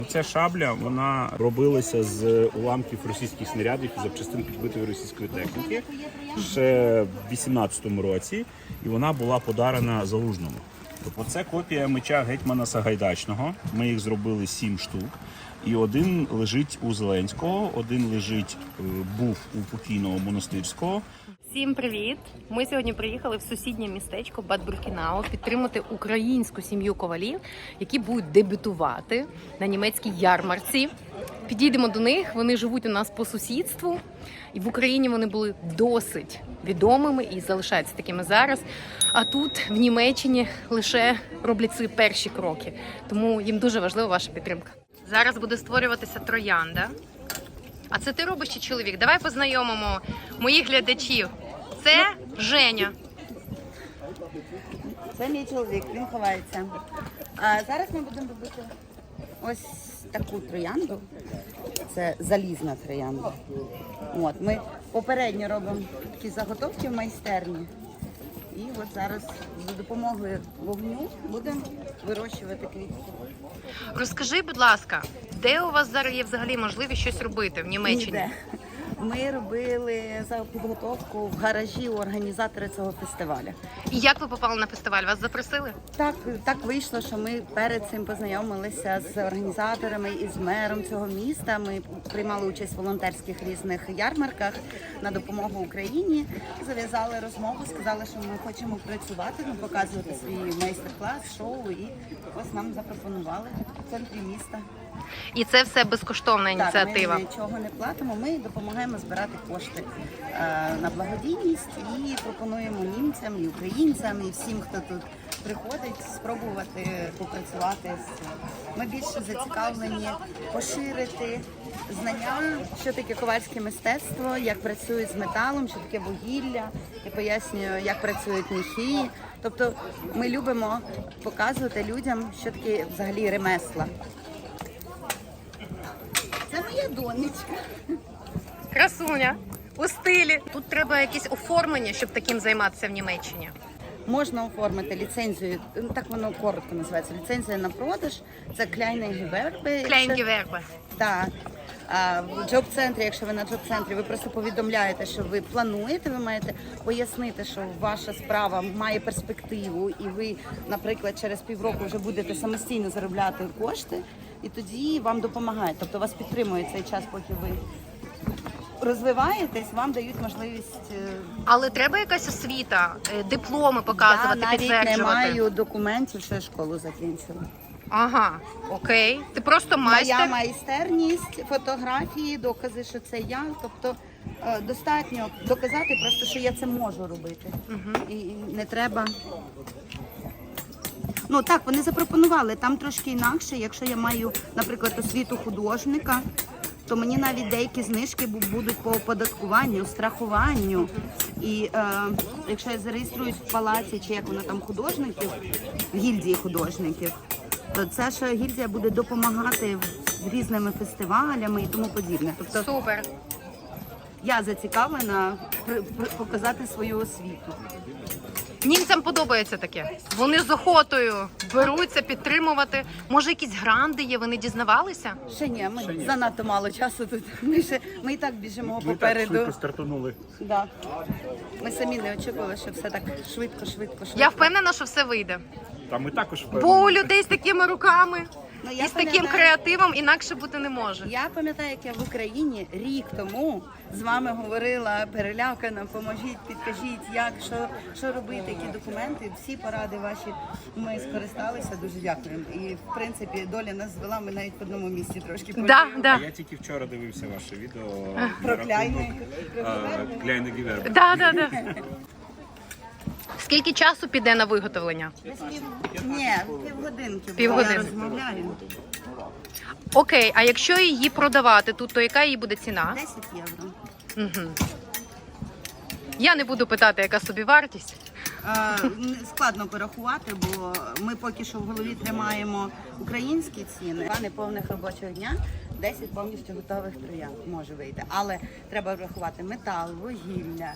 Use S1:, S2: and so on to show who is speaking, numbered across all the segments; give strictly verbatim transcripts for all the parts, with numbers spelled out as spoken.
S1: Ця шабля, вона робилася з уламків російських снарядів і запчастин підбитої російської техніки ще в вісімнадцятому році, і вона була подарена Залужному. Тобто це копія меча гетьмана Сагайдачного. Ми їх зробили сім штук. І один лежить у Зеленського, один лежить, був у покійного Монастирського.
S2: Всім привіт! Ми сьогодні приїхали в сусіднє містечко Бад-Бюркінау підтримати українську сім'ю ковалів, які будуть дебютувати на німецькій ярмарці. Підійдемо до них, вони живуть у нас по сусідству. І в Україні вони були досить відомими і залишаються такими зараз. А тут, в Німеччині, лише роблять свої перші кроки. Тому їм дуже важлива ваша підтримка. Зараз буде створюватися троянда. А це ти робиш чи чоловік? Давай познайомимо моїх глядачів. Це Женя.
S3: Це мій чоловік, він ховається. А зараз ми будемо робити ось таку троянду. Це залізна троянда. От, ми попередньо робимо такі заготовки в майстерні. І от зараз за допомогою вогню будемо вирощувати квітки.
S2: Розкажи, будь ласка, де у вас зараз є взагалі можливість щось робити в Німеччині?
S3: Ніде. Ми робили за підготовку в гаражі у організатора цього фестивалю.
S2: І як ви попали на фестиваль? Вас запросили?
S3: Так, так вийшло, що ми перед цим познайомилися з організаторами і з мером цього міста. Ми приймали участь в волонтерських різних ярмарках на допомогу Україні. Зав'язали розмову, сказали, що ми хочемо працювати, ну, показувати свій майстер-клас, шоу. І ось нам запропонували в центрі міста.
S2: І це все безкоштовна ініціатива?
S3: Так, ми нічого не платимо, ми допомагаємо збирати кошти е, на благодійність і пропонуємо німцям, і українцям, і всім, хто тут приходить, спробувати попрацювати. Ми більше зацікавлені поширити знання, що таке ковальське мистецтво, як працюють з металом, що таке вугілля. Я пояснюю, як працюють міхи. Тобто ми любимо показувати людям, що таке взагалі ремесла. Це моя донечка.
S2: Красуня, у стилі. Тут треба якесь оформлення, щоб таким займатися в Німеччині.
S3: Можна оформити ліцензію, так воно коротко називається, ліцензія на продаж. Це Kleine Gewerbe.
S2: Клейнгевербе.
S3: Так. А в джоб-центрі, якщо ви на джоб-центрі, ви просто повідомляєте, що ви плануєте, ви маєте пояснити, що ваша справа має перспективу, і ви, наприклад, через півроку вже будете самостійно заробляти кошти, і тоді вам допомагають. Тобто вас підтримує цей час, поки ви розвиваєтесь, вам дають можливість.
S2: Але треба якась освіта, дипломи показувати,
S3: Я навіть
S2: підтверджувати?
S3: не маю документів, що я школу закінчила.
S2: Ага, окей. Ти просто майстер?
S3: Моя майстерність, фотографії, докази, що це я. Тобто е, достатньо доказати просто, що я це можу робити. Угу. І, і не треба. Ну так, вони запропонували, там трошки інакше. Якщо я маю, наприклад, освіту художника, то мені навіть деякі знижки будуть по оподаткуванню, страхуванню. І е, якщо я зареєструюсь в палаці, чи як воно там художників, в гільдії художників, то ця ж гільдія буде допомагати з різними фестивалями і тому подібне. Тобто
S2: Супер.
S3: я зацікавлена показати свою освіту.
S2: Німцям подобається таке. Вони з охотою беруться підтримувати. Може, якісь гранди є, ви не дізнавалися?
S3: Ще ні, ми ще ні. Занадто мало часу тут. Ми, ще, ми і так біжимо ми попереду.
S1: Так швидко стартанули.
S3: Да. Ми самі не очікували, що все так швидко, швидко, швидко.
S2: Я впевнена, що все вийде.
S1: Та ми також впевнені.
S2: Бо у людей з такими руками
S3: Ну, я
S2: і з таким
S3: пам'ятаю-
S2: креативом інакше бути не може.
S3: Я пам'ятаю, як я в Україні рік тому з вами говорила перелякана, поможіть, підкажіть, як, що, що робити, які документи. Всі поради ваші ми скористалися, дуже дякуємо. І в принципі доля нас звела, ми навіть в одному місці трошки
S2: Да,
S3: пожили.
S2: да.
S1: Я тільки вчора дивився ваше відео
S3: Про Kleine
S1: Kleine Gewerbe.
S2: Да, да, да. Скільки часу піде на виготовлення?
S3: Ні, півгодинки.
S2: Півгодини.
S3: Я розмовляю.
S2: Окей, а якщо її продавати тут, то яка її буде ціна?
S3: десять євро.
S2: Угу. Я не буду питати, яка собівартість.
S3: Е, Складно порахувати, бо ми поки що в голові тримаємо українські ціни. Два неповних робочого дня, десять повністю готових троянд може вийти. Але треба врахувати метал, вугілля,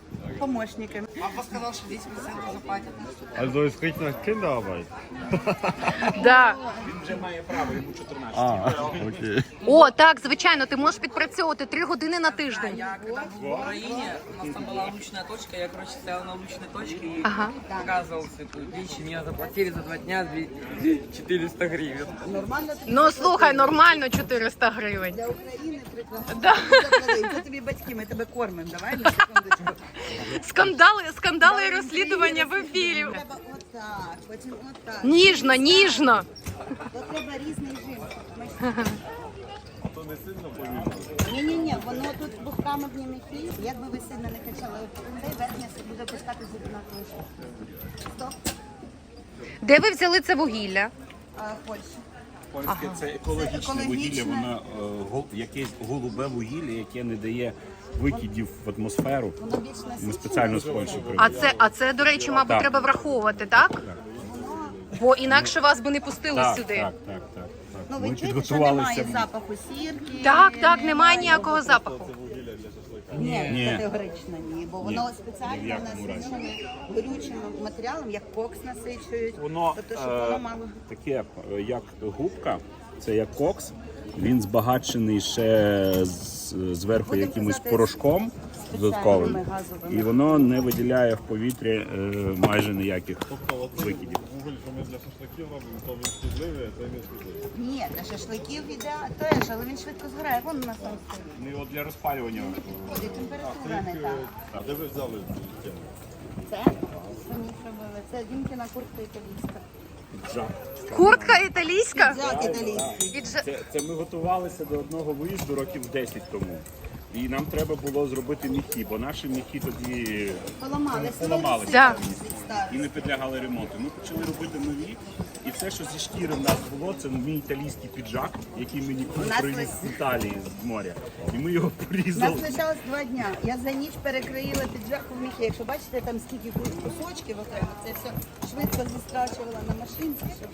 S3: помощниками. Папа сказал, что десять процентов заплатят.
S4: Also es riecht nach Kinderarbeit.
S2: Да.
S1: Він вже має право, йому чотирнадцять.
S4: А, окей.
S2: О, так, звичайно, ти можеш підпрацьовувати три години на тиждень.
S5: Я когда был в Украине, у нас там была лучная точка, я, короче, стоял на лучной точке и
S2: Ага.
S5: показывал всякую дичь, и мне заплатили за два дня две- четыреста гривен.
S3: Нормально
S2: Ну слухай, нормально чотириста гривень.
S3: для України прекрасно.
S2: Да.
S3: Це тобі батьки, ми тебе кормимо. Давай на секундочку.
S2: Скандали, скандали і розслідування в ефірі.
S3: Треба отак, потім отак.
S2: Ніжно, ніжно.
S3: То треба різний жим. Ні-ні-ні, воно тут бухками в німіхі. Як би ви сильно не качали, цей верхня буде пускати з однакової штуки. Стоп.
S2: Де ви взяли це вугілля?
S3: А, Польща.
S1: Польське це екологічне
S3: Це
S1: вугілля,
S3: екологічне.
S1: воно е, гол- якесь голубе вугілля, яке не дає викидів в атмосферу.
S3: Воно більш насичене.
S1: Ми спеціально з Польщі
S2: А
S1: привезли.
S2: це, а це, до речі, мабуть,
S1: Так.
S2: треба враховувати, так? Бо інакше вас би не пустили
S1: Так,
S2: сюди.
S1: так, так, так,
S3: Ну,
S1: так.
S3: ви
S1: Ми
S3: чуєте, що немає
S1: підготувалися.
S3: запаху сірки?
S2: Так, так, немає ніякого запаху.
S3: Ні,
S1: Ні.
S3: категорично ні, бо воно
S1: Ні,
S3: спеціально
S1: ні в якому разі.
S3: насичене горючим матеріалом, як кокс насичують.
S1: Воно
S3: Тобто, щоб
S1: е,
S3: воно мало.
S1: таке, е, як губка, це як кокс. Він збагачений ще з, зверху
S3: Будемо
S1: якимось
S3: казати,
S1: порошком додатковим.
S3: спеціальними газовими.
S1: І воно не виділяє в повітря е, майже ніяких
S4: Тобто от
S1: викидів.
S4: вуголь, що ми для шашликів робимо, то він шкідливий, а це не шкідливий.
S3: Ні, для шашликів іде теж, але він швидко згорає. Вон у нас там стоїть.
S1: Ну, і от для розпалювання.
S3: І температура не так.
S4: А де ви взяли цю тему?
S3: Це самі зробили. Це Дімкіна куртка італійська.
S2: Куртка італійська?
S3: Взяти італійський.
S2: Відже-
S1: Це, це ми готувалися до одного виїзду років десять тому. І нам треба було зробити міхи, бо наші міхи тоді
S3: Поламалися.
S1: поламалися
S2: Да.
S1: і не підлягали ремонту. Ми почали робити нові, і все, що зі шкіри в нас було, це мій італійський піджак, який мені
S3: У нас
S1: привіз
S3: ось-
S1: з Італії з моря. І ми його
S3: У нас
S1: порізали.
S3: лишалось два дня. Я за ніч перекроїла піджак у міхи. Якщо бачите, там скільки кусочків окремо, це все швидко зістрачувала на машинці. Щоб...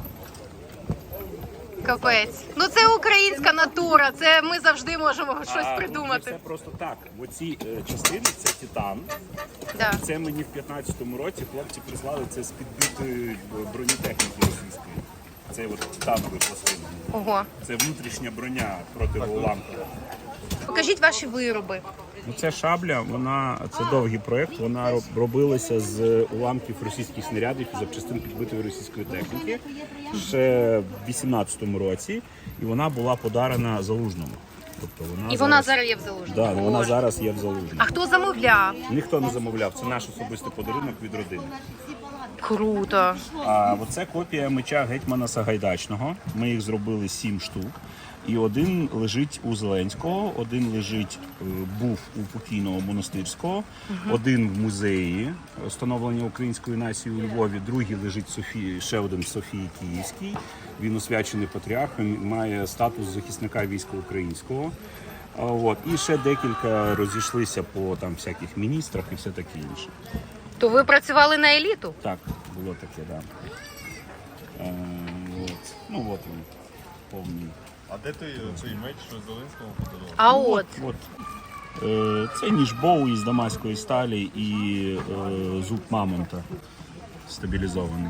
S2: Капець. Ну це українська натура, це ми завжди можемо щось
S1: А,
S2: придумати.
S1: Це просто так. Оці е, частини це титан.
S2: Да.
S1: Це мені в п'ятнадцятому році хлопці прислали це з підбитої бронетехніки російської. Це от титанові пластини.
S2: Ого.
S1: Це внутрішня броня протиуламкова.
S2: Покажіть ваші вироби.
S1: Ну, це шабля, вона це довгий проєкт. Вона роб- робилася з уламків російських снарядів і запчастин підбитої російської техніки ще в вісімнадцятому році, і вона була подарена Залужному. Тобто вона
S2: І вона зараз є в Залужному.
S1: да, вона
S2: Боже.
S1: зараз є в Залужному.
S2: А хто замовляв?
S1: Ніхто не замовляв. Це наш особистий подарунок від родини.
S2: Круто.
S1: А оце копія меча гетьмана Сагайдачного. Ми їх зробили сім штук. І один лежить у Зеленського, один лежить, е, був у покійного Монастирського, один в музеї встановлення української нації у Львові, другий лежить Софії, ще один в Софії Київській. Він освячений патріархом, має статус захисника війська українського. А, От. І ще декілька розійшлися по там всяких міністрах і все таке інше.
S2: То ви працювали на еліту?
S1: Так, було таке, так. Да. Е, от. Ну от він, повний.
S4: А де той цей меч, що Зеленському подарував?
S2: А от.
S1: От. Е, Це ніж Боу із дамаської сталі і е, зуб мамонта стабілізований.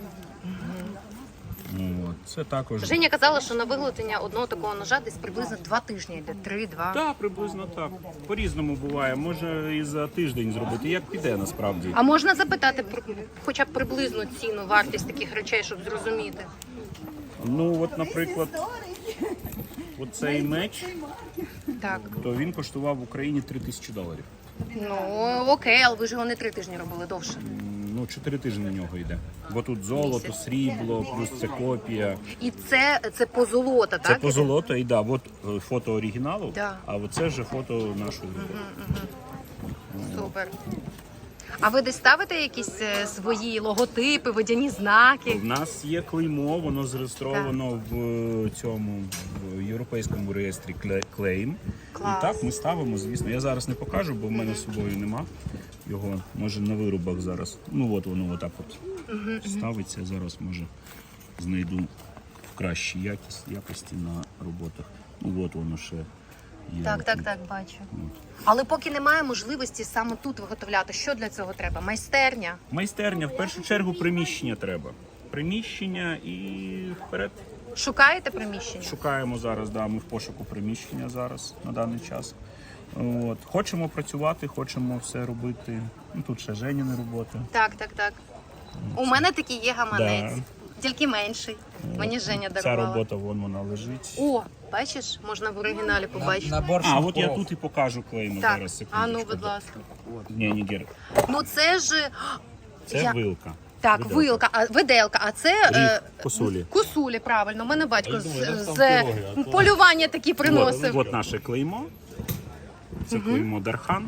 S1: От. Це також.
S2: Женя казала, що на виготовлення одного такого ножа десь приблизно два тижні йде. Три-два.
S1: Так, приблизно так. По-різному буває. Може і за тиждень зробити, як піде насправді.
S2: А можна запитати про хоча б приблизну ціну, вартість таких речей, щоб зрозуміти?
S1: Ну, от, наприклад, оцей меч,
S2: Так.
S1: то він коштував в Україні три тисячі доларів.
S2: Ну окей, але ви ж його не три тижні робили довше.
S1: Ну, чотири тижні на нього йде. Бо тут золото,
S2: Місяць.
S1: срібло, плюс це копія.
S2: І це, це позолота,
S1: Це
S2: так?
S1: по золото, і да, от е, фото оригіналу,
S2: Да.
S1: а оце вже фото нашої.
S2: Супер. А ви десь ставите якісь е, свої логотипи, водяні знаки?
S1: В нас є клеймо, воно зареєстровано в е, цьому в європейському реєстрі Кле- Claim.
S2: Клас.
S1: І так ми ставимо, звісно. Я зараз не покажу, бо в мене з собою нема його. Може на виробах зараз. Ну от воно отак от ставиться. Зараз може знайду в кращій якість, якості на роботах. Ну от воно ще Є
S2: Так, так,
S1: тут.
S2: так, бачу. Але поки немає можливості саме тут виготовляти, що для цього треба? Майстерня?
S1: Майстерня, в першу чергу, приміщення треба. Приміщення і вперед.
S2: Шукаєте приміщення?
S1: Шукаємо зараз, да, ми в пошуку приміщення зараз на даний час. От. Хочемо працювати, хочемо все робити. Ну, тут ще Женіни роботи.
S2: Так, так, так. У мене такий є гаманець,
S1: Да.
S2: тільки менший. Мені Женя
S1: Ця
S2: дарувала.
S1: робота, вон вона лежить.
S2: О, бачиш, можна в оригіналі побачити.
S5: Набор
S1: А, от я
S5: шампуров.
S1: тут і покажу клеймо
S2: Так,
S1: зараз,
S2: а ну,
S1: секундочку.
S2: будь ласка.
S1: Ні, ні, Гер.
S2: Ну це ж...
S1: Це
S2: Я-
S1: вилка.
S2: Так,
S1: Виделка.
S2: вилка, а виделка, а це
S1: Ріг,
S2: е,
S1: косулі.
S2: косулі, правильно. У мене батько
S4: Я
S2: з,
S4: думаю, там
S2: з
S4: пироги, а то-
S2: полювання такі
S1: От,
S2: приносив.
S1: от наше клеймо. Це клеймо Дархан.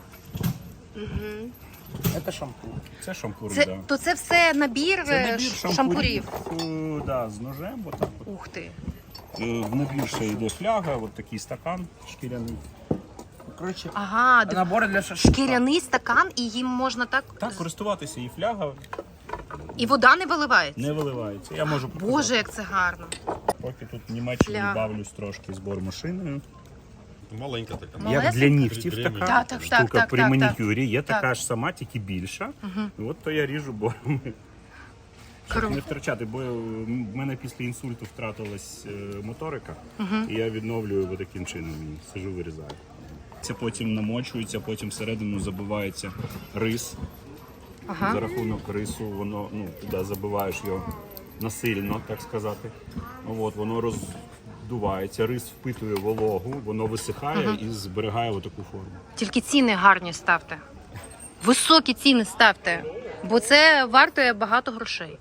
S5: Это шампур.
S1: Це шампур,
S2: Це,
S1: да.
S2: то це все набір,
S1: Це
S2: е,
S1: набір
S2: ш-
S1: шампурів,
S2: шампурів.
S1: е, да, з ножем. Отак от.
S2: Ух ти.
S1: Е, В набір ще йде фляга, от такий стакан шкіряний.
S5: Короче,
S2: Ага, д-
S5: набор для шашлыка.
S2: шкіряний стакан, і їм можна так,
S1: Так, користуватися і фляга
S2: і вода не виливається.
S1: не виливається. Я можу показати.
S2: Боже, як це гарно.
S1: Поки тут в Німеччині
S2: Фляга.
S1: бавлюсь трошки з бормашиною.
S4: Маленька така.
S1: Як
S2: Малесенька?
S1: для нігтів
S4: При-
S1: така
S2: Так, так,
S1: штука
S2: так, так,
S1: при
S2: так,
S1: манікюрі. Є
S2: так.
S1: така ж сама, тільки більша. І от то я ріжу бором. Щоб
S2: Круто.
S1: не втрачати, бо в мене після інсульту втратилась е, моторика, і я відновлюю таким чином. І сижу, вирізаю. Це потім намочується, потім всередину забивається рис.
S2: Ага.
S1: За рахунок рису воно, ну, туди забиваєш його насильно, так сказати. От, воно роздувається, рис впитує вологу, воно висихає і зберігає отаку форму.
S2: Тільки ціни гарні ставте. Високі ціни ставте, бо це вартує багато грошей.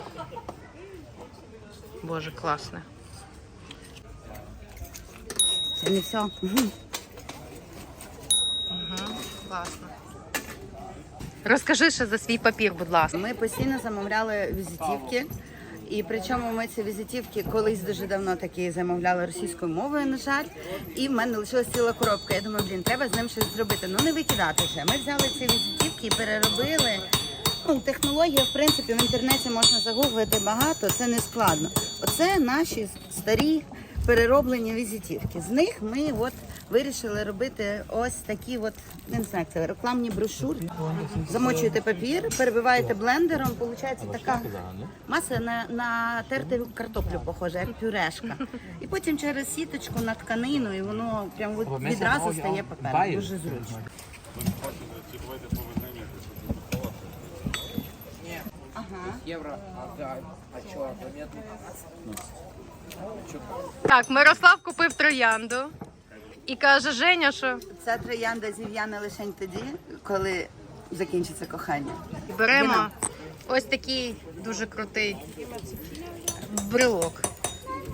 S2: Боже, класне.
S3: Це не все.
S2: Класно. Розкажи ще за свій папір, будь ласка.
S3: Ми постійно замовляли візитівки. І причому ми ці візитівки колись дуже давно такі замовляли російською мовою, на жаль. І в мене лишилась ціла коробка. Я думаю, блін, треба з ним щось зробити. Ну не викидати вже. Ми взяли ці візитівки і переробили. Ну, технологія, в принципі, в інтернеті можна загуглити багато, це не складно. Оце наші старі перероблені візитівки. З них ми от вирішили робити ось такі от, не знаю, це рекламні брошури. Замочуєте папір, перебиваєте блендером, виходить така маса на, на терту картоплю похожа, як пюрешка. І потім через сіточку на тканину, і воно прям от відразу стає папером. Дуже зручно.
S5: Евро. А, да. А что, заметно?
S2: Так, Мирослав купив троянду і каже, Женя, що
S3: Ця троянда зів'яне лише тоді, коли закінчиться кохання.
S2: беремо ось такий дуже крутий брелок.